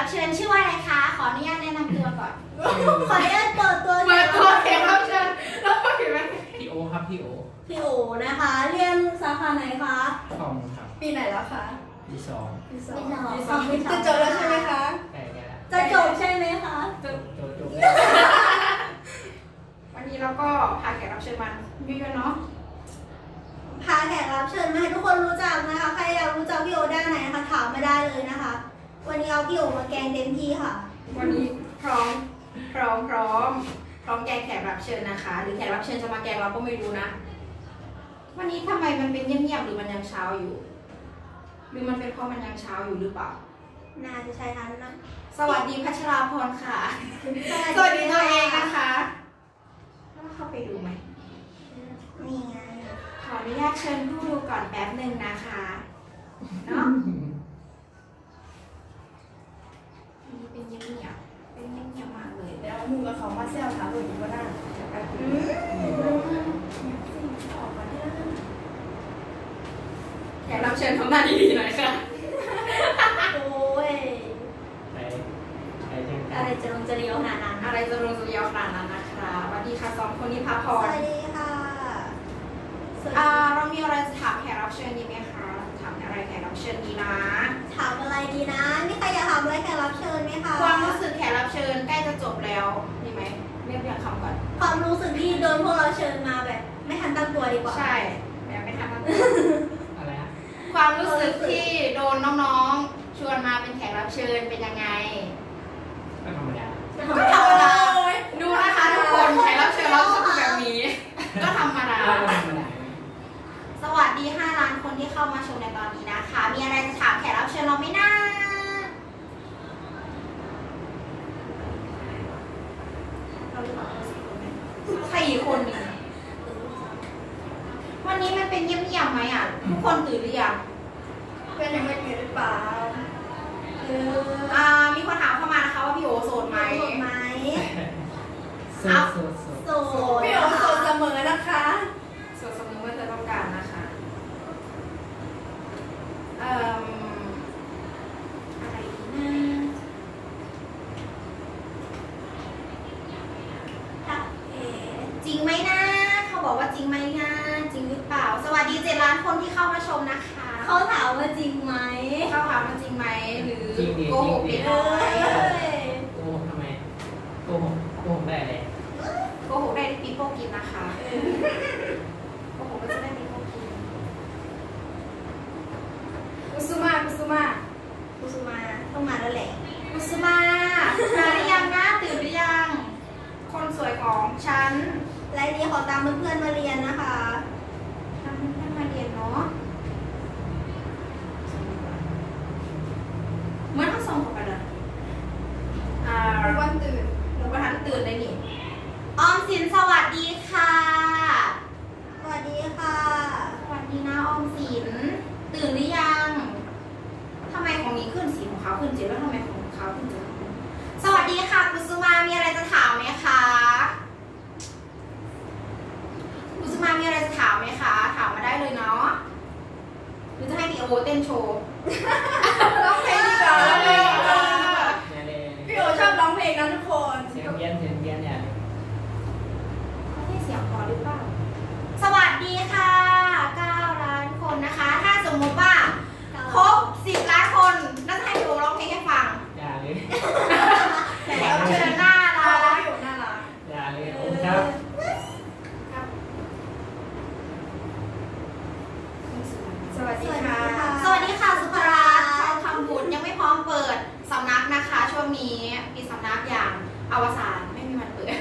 เชิญชื่อว่าอะไรคะ ขออนุญาตแนะนำตัวก่อนขออนุญาตเปิดตัวแขกรับเชิญแล้วก็เห็นไหมพี่โอครับพี่โอพี่โอนะคะ เรียนสาขาไหนคะคอมครับปีไหนแล้วคะปีสองปีสองจะจบแล้วใช่ไหมคะใกล้แล้วจะจบใช่ไหมคะจบวันนี้เราก็พาแขกรับเชิญมาเยอะๆเนาะพาแขกรับเชิญมาให้ทุกคนรู้จักนะคะ ใครอยากรู้จักพี่โอด้านไหนนะคะถามมาได้เลยนะคะ วันนี้เอาพี่โอมาแกงเต็มที่ค่ะวันนี้พร้อมแกงแขกรับเชิญนะคะ หรือแขกรับเชิญจะมาแกงเราก็ไม่รู้นะ วันนี้ทำไมมันเป็นเงียบๆหรือมันยังเช้าอยู่ หรือมันเป็นเพราะมันยังเช้าอยู่หรือเปล่าน่าจะใช่ทันนะสวัสดีพัชราพรค่ะ สวัสดีตัวเองนะคะแล้วเข้าไปดูไหมนี่ไงขออนุญาตเชิญผู้ดูก่อนแป๊บหนึ่งนะคะเนาะนี่เป็นเงียบๆเป็นเงียบๆมากเลยเดี๋ยวมูกับเขามาเซลถามหนูอีกว่าหน้าแขกรับเชิญทำหน้าดีๆหน่อยค่ะโอ้ยไปจังอะไรจะลงจะเลี้ยวขนาดนั้นอะไรจะลงจะเยาวขนาดนั้นนะคะสวัสดีค่ะสองคนนี้พักผ่สอนวัสดีค่ะสวัสดีเรามีอะไรจะถามแขกรับเชิญดีไหมคะ ถามอะไรแขกรับเชิญดีนะถามอะไรดีนะมีใครอยากถามอะไรแขกรับเชิญไหมคะความรู้สึกแขกรับเชิญใกล้จะจบแล้วดีไหมเรียกคำก่อนความรู้สึกที่โดนพวกเราเชิญมาแบบ ไม่ทันตั้งตัวดีกว่าใช่แบบไม่ทันตั้งอะไรฮะความรู้สึกที่โดนน้องๆ ชวนมาเป็นแขกรับเชิญเป็นยังไงก็ธรรมดาก็ธรรมดาดูนะคะทุกคนแขกรับเชิญเราจะเป็นแบบนี้ ก็ธรรมดาก็ธรรมดาสวัสดี5 ล้านคนที่เข้ามาชมในตอนนี้นะคะ มีอะไรจะถามแขกรับเชิญเราไหมนะเราจะบอกเรา4 คนไหม4 คนนี่วันนี้มันเป็นเงียบๆไหมอ่ะ ทุกคนตื่นหรือยังเป็นยังไม่ตื่นหรือเปล่ามีคนถามเข้ามานะคะว่าพี่โอโสดไหมโสดไหมโสดโสดโสดโสดพี่โอโสดเสมอนะคะโสดเสมอเมื่อเธอต้องการนะคะอะไรดีนะค่ะเอ๋จริงไหมนะ เขาบอกว่าจริงไหมนะ จริงหรือเปล่า สวัสดี7 ล้านคนที่เข้ามาชมนะคะเขาถามว่าจริงไหมเขาถามว่าจริงไหมหรือจริงดิโกหกจริเล็งกดิน้อยโกหกทำไมโกหกได้เลยโกหกได้ปีโป้กินนะคะโกหกก็จะได้ปีโป้กินกุสุมากุสุมากุสุมาต้องมาแล้วแหละกุสมามาหรือยังนะตื่นหรือยัง คนสวยของฉันและนี้ขอตามเพื่อนๆมาเรียนนะคะทำให้มาเรียนเนาะเหมื่อนทั้งสองคนกันเลยทุกวันตื่นหนูประธานตื่นเลยนี่ออมสินสวัสดีค่ะสวัสดีค่ะสวัสดีนะออมสิน ตื่นหรือยังทำไมของนี้ขึ้นสีของเขาขึ้นเจ็ดแล้วทำไมของเขาขึ้นเจ็ดสวัสดีค่ะกุสุมามีอะไรจะถามไหมคะกุสุมามีอะไรจะถามไหมคะ ถามมาได้เลยเนาะหรือจะให้พี่โอเต้นโชว์ร้องเพลงดีกว่าร้องเพลงดีกว่าเนี่ยเลยพี่โอชอบร้องเพลงนะทุกคนเสียงเพี้ยนอย่าไม่ได้เสียงพอหรือเปล่า สวัสดีค่ะ9 ล้านคนนะคะ ถ้าสมมติว่าครบ10 ล้านคนน่าจะให้พี่โอร้องเพลงให้ฟังอย่าเลยแขกรับเชิญหน้าน่ารัรักกพี่โอน่ารักอย่าเลยโอ้ครับสวัสดีค่ะสวัสดีค่ะสุภรัตน์ชาวทำบุญยังไม่พร้อมเปิดสำนักนะคะ ช่วงนี้ปิดสำนักอย่างอวสานไม่มีวันเปิด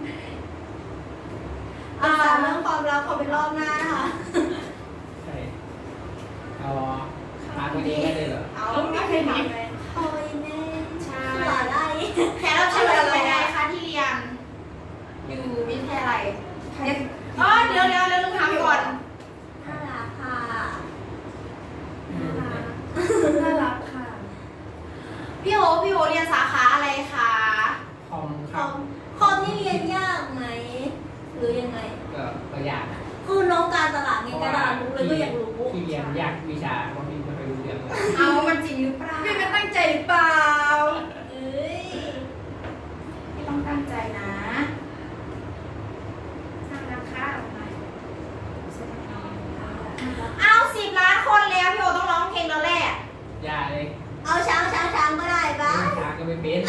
เรื่องความรักขอเป็นรอบหน้านะคะใช่เอามาตัวเองได้เลยเหรอเอาไม่เคยถามเลยโอ้ยแม่ใช่หล่อได้แขกรับเชิญอะไรคะที่เรียนอยู่วิทยาลัยเดี๋ยวลืมถามก่อนน่ารักค่ะน่ารักค่ะพี่โอเรียนสาขาอะไรคะคอมคครับ อมคอมนี่เรียนยากไหม หรือยังไงก็ยากนะคือน้องการตลาดไงการตลาดรู้เลยก็อยากรู้ที่เรียนยากวิชาบางทีไม่ค่อยรู้เรื่องเลยเอามันจริงหรือเปล่าพี่ไม่ตั้งใจหรือเปล่า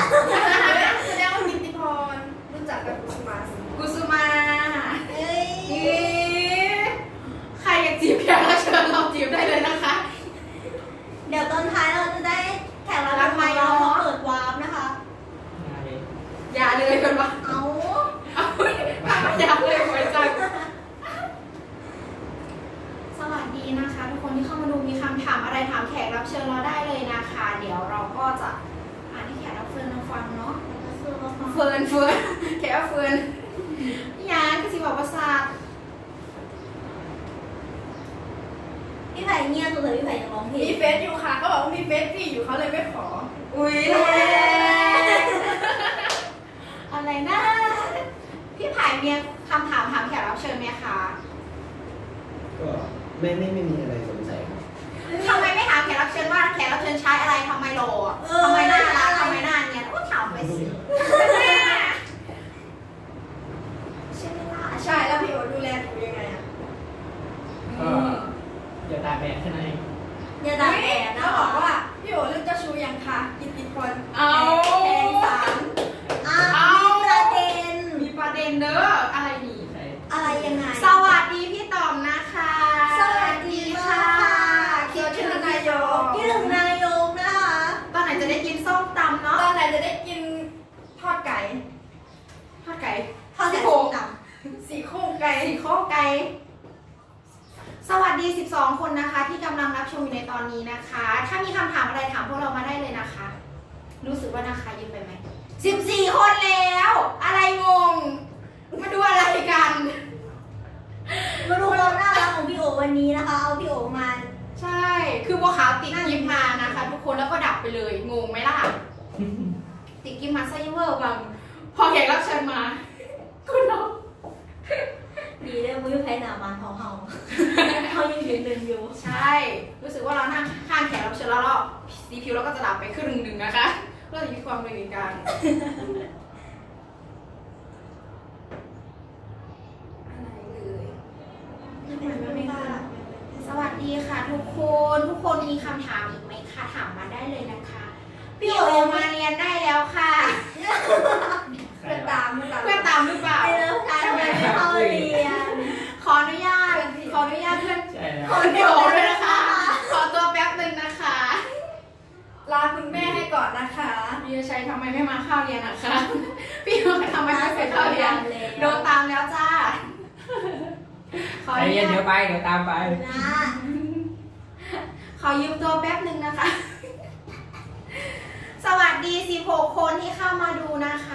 แสดงว่ากิตติพรรู้จักกับกุสุมาสิกุสุมาเอ้ยใครอยากจีบแขกรับเชิญเราจีบได้เลยนะคะเดี๋ยวตอนท้ายเราจะได้แขกรับเชิญของเรามาเปิดวาร์ปนะคะอย่าเลยกันวะเอาเอาทำไมอย่าเลยไว้จังสวัสดีนะคะ ทุกคนที่เข้ามาดูมีคำถามอะไรถามแขกรับเชิญเราได้เลยนะคะ เดี๋ยวเราก็จะอ่านให้แขกรับเชิญเราฟังเนาะ เฟิร์นแขกเฟิร์นยานก็สิบอกว่าซาดพี่ไผ่เงียบสุดเลยพี่ไผ่จะร้องเพลมีงเฟซอยู่ค่ะ ก็บอกว่ามีเฟซพี่อยู่เขาเลยไม่ขออุ้ยอะไรนะ พี่ไผ่มีคำถามถามแขกรับเชิญไหมคะก็ไม่มีอะไรสงสัยครับทำไมไม่ถามแขกรับเชิญว่าแขกรับเชิญใช้อะไรทำไมหล่อทำไมน่ารักทำไมน่าเนียนก็ถามไปสิใช่ไหมล่ะใช่แล้วพี่โอดูแลหนูยังไงอะก็อย่าตาแบะแค่นั้นเองอย่าด่าแอบนะเขาบอกว่าพี่โอเรื่องเจ้าชู้ยังคะกิตติพรเอาแทงสามมีประเด็นมีประเด็นเด้ออะไรนี่ใช่อะไรยังไงสวัสดีพี่ต๋อมนะคะสวัสดีค่ะคิดถึงนายกคิดถึงนายกนะคะตอนไหนจะได้กินส้มตำตเนาะอนไหนจะได้กินทอดไก่ทอดไก่ทอดแต่โคส้งมตสี่โครงไก่สีโครงไก่สวัสดี 12 คนนะคะ ที่กำลังรับชมอยู่ในตอนนี้นะคะ ถ้ามีคำถามอะไรถามพวกเรามาได้เลยนะคะ รู้สึกว่านะคะเยอะไปไหม14 คนแล้ว อะไรงง มาดูอะไรกันมาดูความน่ารักของพี่โอวันนี้นะคะ เอาพี่โอมาใช่ คือบัวขาวติดกิฟมานะคะ ทุกคนแล้วก็ดับไปเลย งงไหมล่ะ ติดกิฟมาไซเวอร์บางพอแขกรับเชิญมา คุณน้องดีเลยมือไผ่หนามันของเฮาเขายังยืนหนึ่งอยู่ใช่ รู้สึกว่าเรานั่งข้างแขกรับเชิญแล้วเราสีผิวเราก็จะดับไปครึ่งหนึ่งนะคะเราจะมีความเป็นกลางอะไรเอ่ยทำไมไม่กล้าสวัสดีค่ะทุกคนมีคำถามอีกไหมคะถามมาได้เลยนะคะ พี่โอมาเรียนได้แล้วค่ะเพื่อนตามเพื่อนตามหรือเปล่าไปเริ่มการทำไมไม่เข้าเรียนขออนุญาตเพื่อนใช่แล้วขอพี่โอด้วยนะคะ ขอตัวแป๊บหนึ่งนะคะลาคุณแม่ให้ก่อนนะคะพี่ชัยทำไมไม่มาเข้าเรียนอะคะ พี่โอทำไมไม่ไปเข้าเรียน โดนตามแล้วจ้า ขอใจอนุเย็นญาเดี๋ยตวไปเดี๋ยวตามไปนะขอยืมตัวแป๊บหนึ่งนะคะ สวัสดี16 คนที่เข้ามาดูนะคะ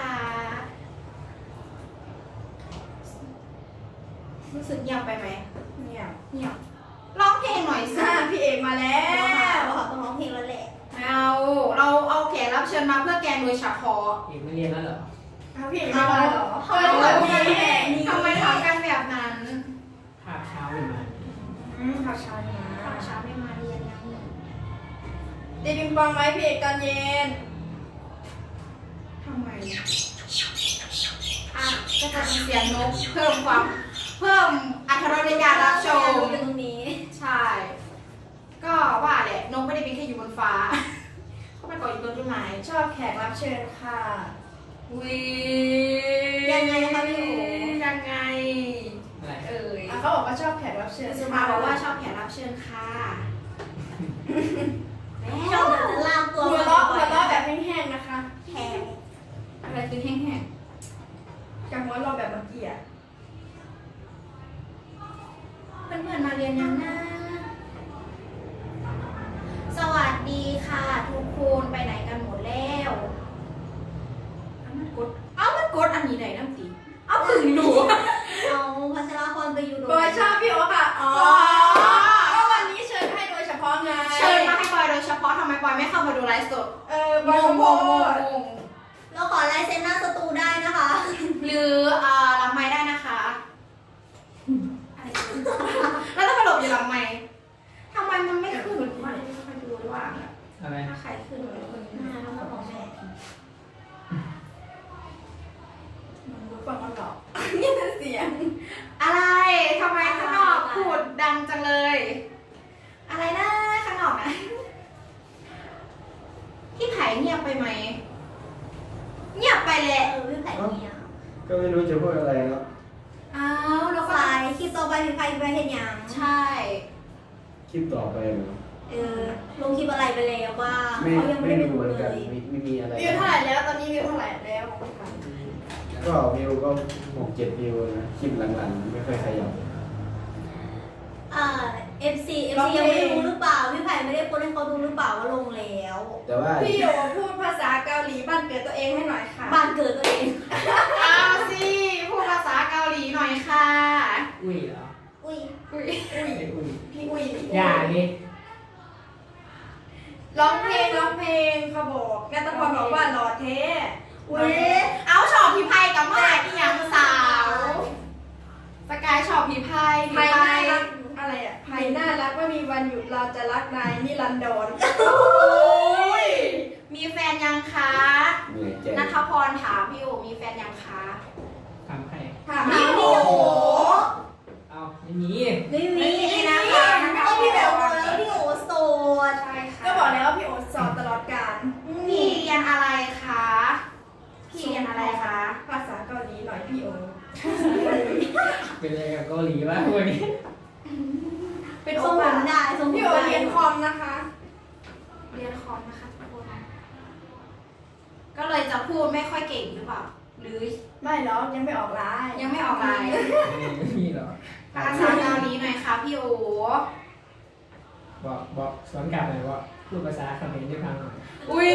รู้สึกเงียบไปไหมเนี่ยเงียบร้องเพลงหน่อยสิพี่เอกมาแล้แล้ววเขาต้องร้องเพลงแล้วแหละเราเอาแขกรับเชิญมาเพื่อแกงโดยเฉพาะอีกไม่เรียนแล้วเหรอพี่เอกมาแล้วเหรอเขาเปิดทำเผยงานพี่แบบนี้ทำไมทำกันแบบนั้นภาพเช้าเลยมาข่าวเช้าเนี่ยตอนเช้าไม่มาเรียนยังตีปิงปองไหมพี่เอกตอนเย็นทำไมอ่ะก็จะมีเสียงนกเพิ่มอรรถรสในการรับชมเป็นตรงนี้ใช่ ก็ว่าแหละนกไม่ได้เป็นแค่อยู่บนฟ้า เขาไปเกาะอยู่บนต้นไม้ชอบแขกรับเชิญค่ะวิยังไงคะพี่โอยังไงอะไรเอ่ยเขาบอกว่าชอบแขกรับเชิญสุมาบอกว่าชอบแขกรับเชิญค่ะชอบแบบจะลากตัวหัวเราะแบบแห้งๆนะคะแทงอะไรคือแห้งกับหัวเราะแบบเมื่อกี้อะๆเพื่อนๆมาเรียนยังนะสวัสดีค่ะทุกคนไปไหนกันหมดแล้วมันกดอันนี้ไหนน้ำตีเอาพึ่งดูเอาพัชรพรไปอยู่บอยชอบพี่โอ๊คค่ะอ๋อก็วันนี้เชิญให้โดยเฉพาะไงเชิญมาให้บอยโดยเฉพาะทำไมบอยไม่เข้ามาดูไลฟ์สดบอยขอโทษงเราขอลายเซ็นหน้าสตูได้นะคะหรือหลังไม้ได้นะคะอะไรกันแล้วถ้าไปหลบอยู่หลังไม้ทำไมมันไม่ขึ้นวะไม่ค่อยดูว่าอะไรถ้าใครขึ้นหรือคนหน้าน้องของแม่ฟังมันหรอกนี่เป็นเสียงอะไรทำไมข้างนอกพูดดังจังเลย อะไรนะข้างนอกนะพี่ไผ่เงียบไปไหมก็ไม่รู้จะพูดอะไรแล้วอ้าวแล้วก็สายคลิปต่อไปพี่ไพไปเห็นยังใช่คลิปต่อไปเหรอลงคลิปอะไรไปแล้วบ้างไม่เขายังไม่ไม่ได้รู้ดูเหมือนเลกันยไม่มีอะไรวิวเท่าไหร่แล้วตอนนี้วิวเท่าไหร่แล้วของพี่ไผ่ก็วิวก็6-7วิวนะคลิปหลังๆไม่ค่อยขยับ FC ยังไม่รู้หรือเปล่าพี่ไผ่ไม่ได้โพสต์ให้เขาดูหรือเปล่าว่าลงแล้วแต่ว่าพี่โยพูดภาษาเกาหลีบ้านเกิดตัวเองให้หน่อยค่ะบ้านเกิดตัวเองเอาสิพูดภาษาเกาหลีหน่อยค่ะอุ้ยเหรออุ้ยอุ้ยไอ้อุ้ยพี่อุ้ยอย่าดิร้องเพลงเขาบอกนัตพรบอกว่าหล่อเท่อุ้ยเอาชอบพี่ไพ่กับเมื่อไหร่ที่ยังสาวสกายชอบพี่ไพ่ไผ่น่ารักอะไรอ่ะไผ่น่ารักไม่มีวันหยุดเราจะรักนายนิรันดรโอ้ยมีแฟนยังคะเหนื่อยใจนัทพรถามพี่โอมีแฟนยังคะทำให้ถามพี่พี่โอโอเอาไม่มีไม่มีนะคะก็พี่โอแล้วพี่โอโสดใช่ค่ะก็บอกแล้วว่าพี่โอสอนตลอดการพี่เรียนอะไรคะพี่เรียนอะไรคะภาษาเกาหลีหน่อยพี่โอเป็นอะไรกับเกาหลีวะวันนี้เป็นทโอรงผปามได้ทรงผมพี่โอได้เรียนคอมนะคะเรียนคอมนะคะทุกคนก็เลยจะพูดไม่ค่อยเก่งหรือเปล่าหรือไม่หรอกยังไม่ออกไลน์ยังไม่ออกไลน์ไม่มีหรอภาษาเกาหลีหน่อยค่ะพี่โอบอกสอนกลับหน่อยว่าพูดภาษาเขมรได้ฟังหน่อยอุ้ย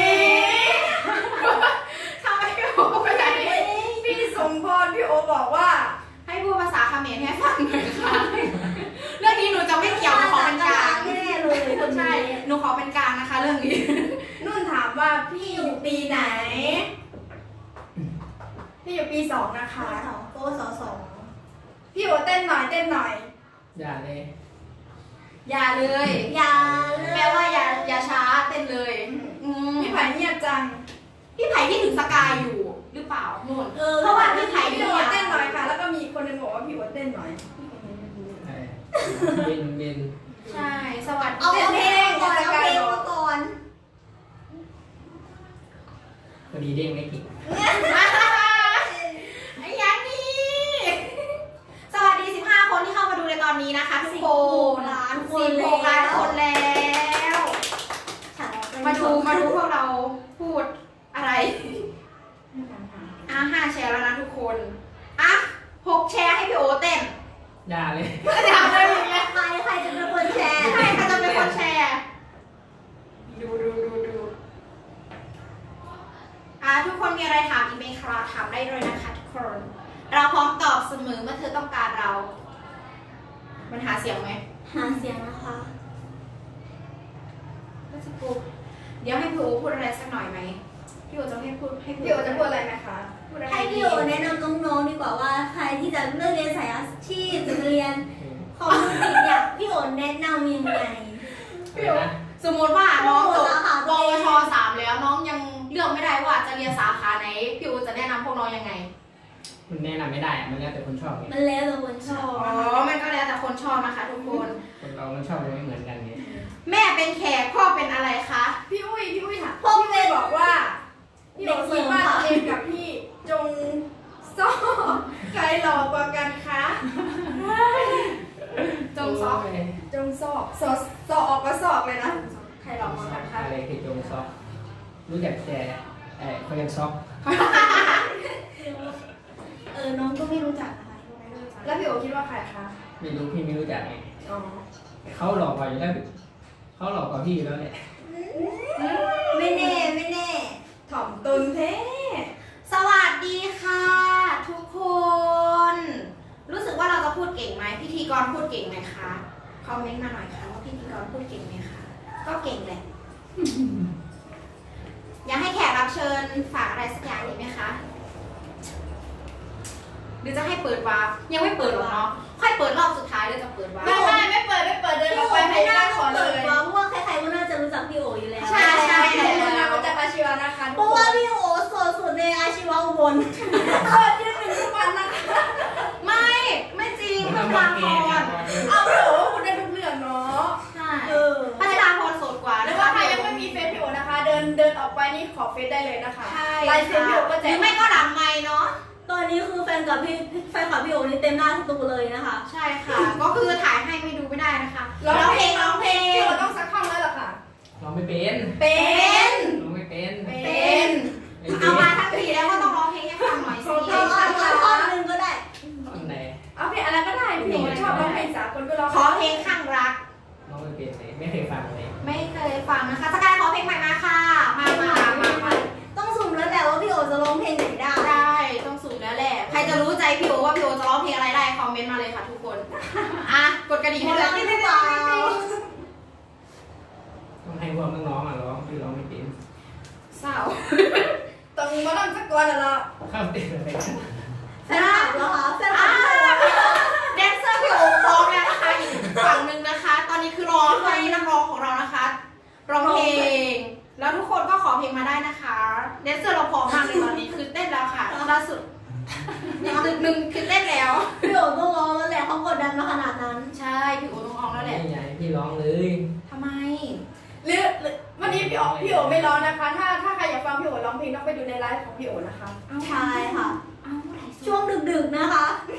ทำไมพี่โอไปไหนพี่สมพรพี่โอบอกว่าให้พูดภาษาเขมรให้ฟังหน่อยค่ะ เรื่องนี้หนูจะไม่เกี่ยวหนูขอเป็นกลางแน่เลยคนใช่นี้หนูขอเป็นกลางนะคะ เรื่องนี้นุ่นถามว่าพี่อยู่ปีไหน พี่อยู่ปี2นะคะโกสองพี่โอเต้นหน่อยเต้นหน่อยอย่าเลยอย่าเลยอย่าแปลว่าอย่าช้าเต้นเลยอืมพี่ไผ่เงียบจังพี่ไผ่ที่ถึงสกายอยู่หรือเปล่านู่นเพราะว่าพี่ไผ่พี่พี่โอโอเต้นหน่อยค่ะ แล้วก็มีคนหนึงบอกว่าพี่โอเต้นหน่อยเบนใช่ สวัสดีเอาเพลงก่อนเอาเพลงมาก่อนพอดีเด้งไม่กินไอ้ยังนี่สวัสดี 15 คนที่เข้ามาดูในตอนนี้นะคะทุกคนล้านคน 16 ล้านคนแล้ว มาดูพวกเราพูดอะไร 5 แชร์แล้วนะทุกคนอ่ะ6 แชร์ให้พี่โอเต้นอย่าเลยจะทำอะไรอย่างเงี้ยใครจะเป็นคนแชร์ใช่ใครจะเป็นคนแชร์ ดูทุกคนมีอะไรถามอีเมลคลาถามได้เลยนะคะทุกคน เราพร้อมตอบเสมอเมื่อเธอต้องการเรา มันหาเสียงไหมหาเสียงนะคะก็จะพูดเดี๋ยวให้พี่โอพูดอะไรสักหน่อยไหมพี่โอจะให้พูดพี่โอจะพูดอะไรไหมคะพูดอะไรให้พี่โอแนะนำน้องๆดีกว่าว่าใครที่จะเลือกเรียนสายอาชีพจะเรียนคอมพิวเตอร์เนี่ยพี่โอแนะนำยังไงพี่นะสมมติว่าน้องจบสาขาปตัววเองช 3 แล้วน้องยังเลือกไม่ได้ว่าจะเรียนสาขาไหนพี่โอจะแนะนำพวกน้องยังไงมันแนะนำไม่ได้อะมันแล้วแต่คนชอบไงมันแล้วแต่คนชอบอ๋อ มันก็แล้วแต่คนชอบนะคะทุกคนคนเรามันชอบไม่เหมือนกันไงแม่เป็นแขกพ่อเป็นอะไรคะพี่อุ้ยถามพี่อุ้ยบอกว่า พี่โอคิดว่าตัวเองกับพี่จงซ่อใครหล่อกว่ากันคะจงซอกโยจงซอกออกก็ซอกเลยนะใครหลอกมากันคะอะไรคือจงซอกรู้จักแต่เขายังซอกน้องก็ไม่รู้จักนะคะแล้วพี่โอคิดว่าใครคะไม่รู้พี่ไม่รู้จักไงอ๋อเขาหลอกกว่าอยู่แล้วเขาหลอกกว่าพี่อยู่แล้วแหละไม่แน่ถ่อมตนเท่สวัสดีค่ะ ทุกคน รู้สึกว่าเราจะพูดเก่งไหมพิธีกรพูดเก่งไหมคะคอมเมนต์มาหน่อยค่ะว่าพิธีกรพูดเก่งไหมคะก็เก่งแหละ อยากให้แขกรับเชิญฝากอะไรสักอย่างอีกไหมคะหรือจะให้เปิดวาร์ปยังไม่เปิดหรอกเนาะค่อยเปิดรอบสุดท้ายเลยจะเปิดวาร์ปไม่เปิดเดินออกไปให้ไม่หน้าน่าขอเลเปิดยเพราะว่าใครๆก็น่าจะรู้จักพี่โออยู่แล้วใช่ใช่ขอบคุณนะพระเจ้าอาชีวะนะคะเพราะว่าพี่โอโสดสุดในอาชีวะอุบลโคตรยืนหนึ่งทุกวันนะคะไม่จริงพัชราพรเอาพี่โอคุณได้ทุกเรื่องเนาะใช่พัชราพรโสดกว่าหรืนะอคะว่าใครยังไม่มีเฟซพี่โอนะคะ เดินออกไปนี่ขอเฟซได้เลยนะคะใช่ลายเซ็นพี่โอก็แจหรืกอไม่ก็หลังไมค์เนาะตอนกับแฟนคลับพี่โอนี่เต็มหน้าสตูเลยนะคะใช่ค่ะ ก็คือถ่ายให้ไม่ดูไม่ได้นะคะร้องเพลงพี่โอต้องสักท่อนแล้วเหรอค่ะร้องไม่เป็นเป็นร้องไม่เป็นเป็นไม่เป็นเอามาทั้งทีแล้วก็ต้องร้องเพลงให้ฟังหน่อยสิเอาท่อนหนึงก็ได้ตอนไหนเอาเพลงอะไรก็ได้พี่โอชอบร้องเพลงสากลก็ร้องขอเพลงข้างรักร้องไม่เป็นเลยไม่เคยฟังเลยไม่เคยฟังนะคะสกายขอเพลงใหม่มาค่ะ มาต้องสุ่มแล้วแหละว่าพี่โอจะร้องเพลงไหนได้ได้ต้องสูงแล้วแหละ ใครจะรู้ใจพี่โอว่าพี่โอจะร้องเพลงอะไรได้คอมเมนต์มาเลยค่ะทุกคน อ่ะกดกระดิ่งหมให้ดเลแล้วยไม่ได้เปล่าต้องให้พวกน้องๆอ่ะร้องพี่ร้องไม่เป็นเศร้าต้องมาลำสักก่อนแล้วเข้าเต้นอะไรกันแฟนคลับเหรอคะแฟนคลัอ่าบพี่โอแดนเซอร์พี่โอพร้อมแล้วนะคะอีกฝั่งหนึ่งนะคะ ตอนนี้คือรอให้นักร้องของเรานะคะร้องเพลง แล้วทุกคนก็ขอเพลงมาได้นะคะแดนเซอร์เราพร้อมมากเลยตอนนี้คือเต้นแล้วค่ะล่าสุดอีกตึกหนึ่งคือเต้นแล้วพี่โอต้องร้องแล้วแหละเขากดดันมาขนาดนั้นใช่พี่โอต้องร้องแล้วแหละไม่ใหญ่พี่ร้องเลยทำไมหรือวันนี้พี่โอไม่ร้องนะคะ ถ้าใครอยากฟังพี่โอร้องเพลงต้องไปดูในไลฟ์ของพี่โอนะคะใช่ค่ะเอาเมื่อไหร่ช่วงดึกๆนะคะ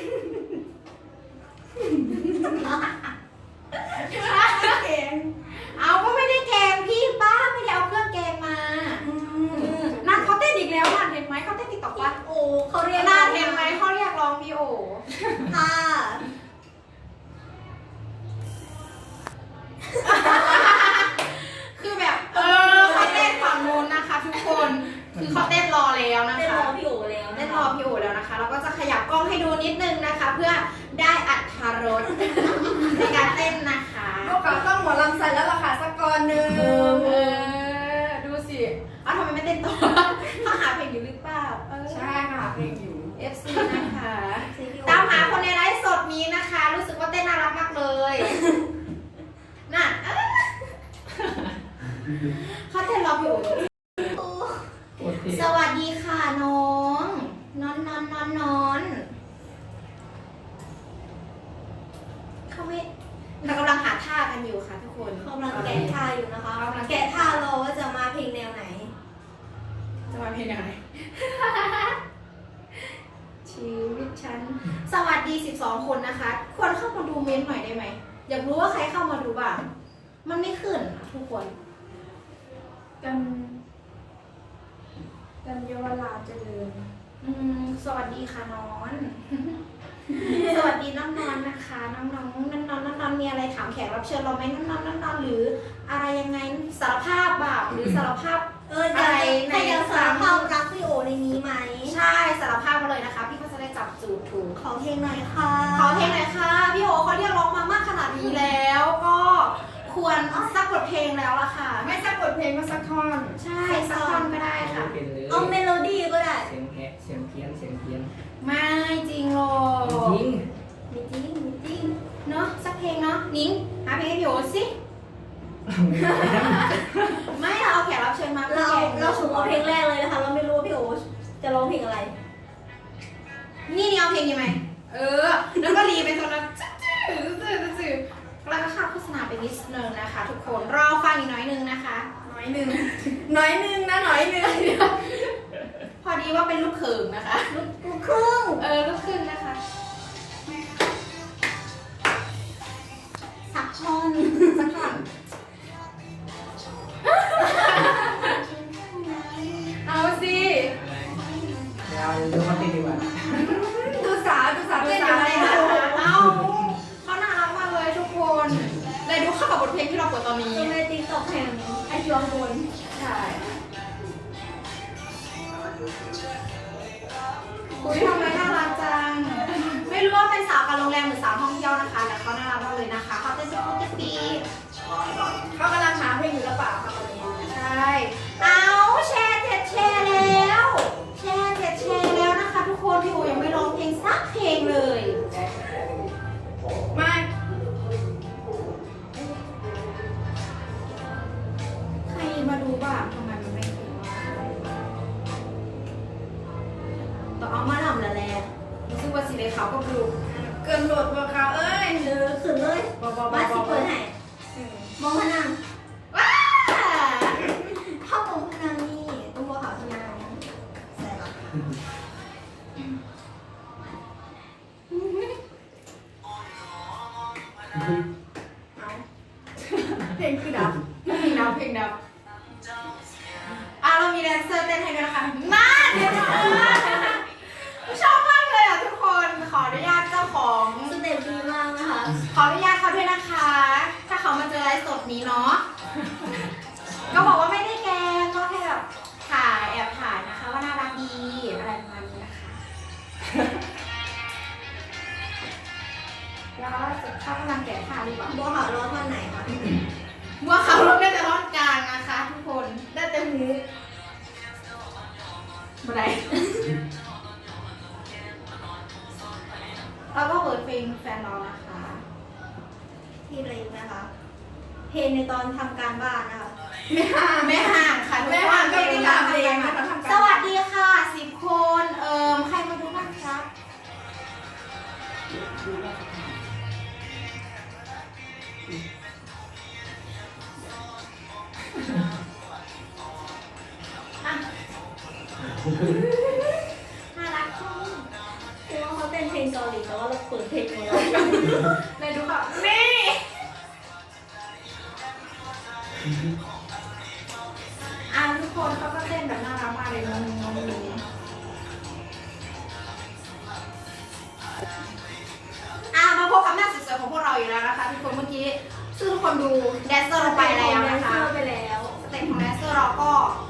เพลงเอาก็ไม่ได้แกงพี่ป้าไม่ได้เอาเครื่องแกงมานั่นเขาเต้นอีกแล้วนั่นเห็นไหมเขาเต้นติ๊กต็อกปะโอ้เขาเรียกน่าเห็นไหมเขาเรียกร้องพี่โอค่ะคือแบบเขาเต้นฝั่งนู้นนะคะ ทุกคน คือเขาเต้นรอแล้วนะเต้นคะรอพี่โอแล้วเต้นรอพี่โอแล้วนะคะ เราก็จะขยับกล้องให้ดูนิดนึงนะคะ เพื่อได้อัธรสในการเต้นนะคะพวกเขาต้องหมอลำใส่แล้วล่ะค่ะสักก่อนหนึ่งดูสิอ้าวทำไมไม่เต้นต่อเขาหาเพลงอยู่หรือเปล่าใช่ค่ะเพลงอยู่ FC นะคะ ตามหาคนในไลฟ์สดนี้นะคะ รู้สึกว่าเต้นน่ารักมากเลยน่ะเขาเต้นรอพี่โอโคตรเท่สวัสดีค่ะน้องนอนเขาไม่เรากำลังหาท่ากันอยู่ค่ะทุกคนกำลังแกะท่าอยู่นะคะแกะท่ารอว่าจะมาเพลงแนวไหนจะมาเพลงอะไร ชีวิตฉัน สวัสดี 12 คนนะคะ ควรเข้ามาดูเม้นต์หน่อยได้ไหม อยากรู้ว่าใครเข้ามาดูบ้าง มันไม่ขึ้นอะทุกคนกันเยาวราชเจริญสวัสดีค่ะน้อง สวัสดีน้องนอนนะคะ น้องมีอะไรถามแขกรับเชิญเราไหมน้องหรืออะไรยังไงสารภาพบาปหรือสารภาพจะใครจะสารภาพรักพี่โอในนี้ไหมใช่สารภาพมาเลยนะคะ พี่ก็จะได้จับจูดถูกขอเพลงหน่อยค่ะขอเพลงหน่อยค่ะ พี่โอเขาเรียกร้องมามากขนาดนี้แล้ว ก็ควรสักบทเพลงแล้วล่ะค่ะไม่สักบทเพลงก็สักท่อนใช่สักท่อนก็ได้ค่ะไม่เป็นเลยเอาเมโลดี้ก็ได้เสียงแหะเสียงเพี้ยนไม่จริงหรอกจริงมีจริงเนาะสักเพลงเนาะนิ้งหาเพลงให้พี่โอสิ ไม่เราเอาแขกรับเชิญมาเราสุ่มเอาเพลงแรกเลยนะคะ เราไม่รู้ว่าพี่โอจะร้องเพลงอะไรนี่เอาเพลงยังไงแล้วก็รีไปตรงนั้นจืดแล้วก็ข้ามโฆษณาไปนิดนึงนะคะ ทุกคนรอฟังอีกน้อยนึงนะคะน้อยหนึ่งนะน้อยหนึ่งพอดีว่าเป็นลูกเขิงนะคะลูกครึ่งลูกครึ่งนะคะสักท่อนสักท่อน เอาสิอะไรเราดูเขาเต้นดีกว่าดูสาวเต้นดูอยู่สาวในเลยนั้นะนเอาเขาน่ารักมากเลยทุกคนเลยดูเข้ากับบทเพลงที่เราเปิดตอนนี้จะในติ๊กต็อกแห่งไอช่วงบนใช่อุ้ยทำไมน่ารักจัง ไม่รู้ว่าเป็นสาวการโรงแรมหรือสาวท่องเที่ยวนะคะแต่เขาน่ารักมากเลยนะคะเขาเต้นเป็นปีเขากำลังหาเพลงอยู่หรือเปล่าคะตอนนี้ใช่ เอาแชร์7แชร์แล้ว แชร์7แชร์แล้วนะคะ ทุกคนพี่โอยังไม่ร้องเพลงสักเพลงเลยไม่ใครมาดูบ้างทำไมมันไม่ขึ้นต่อเอามาทำแล้วแหละรู้สึกว่าสีเลยเขาก็ดูเกินโหลดตัวเขาเอ้ยขึ้นเลย มาสิเปิดให้มองพนังว้าถ้ามองพนังนี่ต้องบอกเขาพนังใส่หรอเอาเพลงคือดับเพลงดับเรามีแดนเซอร์เต้นให้ด้วยนะคะมาเดี๋ยวชอบมากเลยอ่ะทุกคนขออนุญาตเจ้าของสเต็ปดีมากนะคะขออนุญาตเขาด้วยนะคะ ถ้าเขามาเจอไลฟ์สดนี้เนาะ ก็บอกว่าไม่ได้แกล้งก็แค่แบบถ่ายแอบถ่ายนะคะ ว่าน่ารักดีอะไรประมาณนี้นะคะ แล้วเขากำลังแกะผ้าหรือเปล่าบัวขาวร้อนวันไหนคะบัวขาวลงได้แต่ท่อนกลางนะคะ ทุกคนได้แต่หูบันไดเราก็เปิดเพลงแฟนเรานะคะที่เล็กนะคะ เพลงในตอนทำการบ้านนะคะไม่ห่างค่ะทุกแม่คหางนก็มีตามเพลงนะคะทำการสวัสดีค่ะ10 คน ใครมาดูบ้างครับ อ่ะ น่ารักจังคือว่าเขาเต้นเพลงเกาหลีแต่ว่าเราเปิดเพลงของเราเลยดูค่ะนี่ทุกคนเขาก็เต้นแบบน่ารักมากเลยน้องมาพบกับหน้าสวยๆของพวกเราอยู่แล้วนะคะทุกคนเมื่อกี้ซึ่งทุกคนดูแดนเซอร์เราไปแล้วนะคะไปแล้วสเต็ปของแดนเซอร์เราก็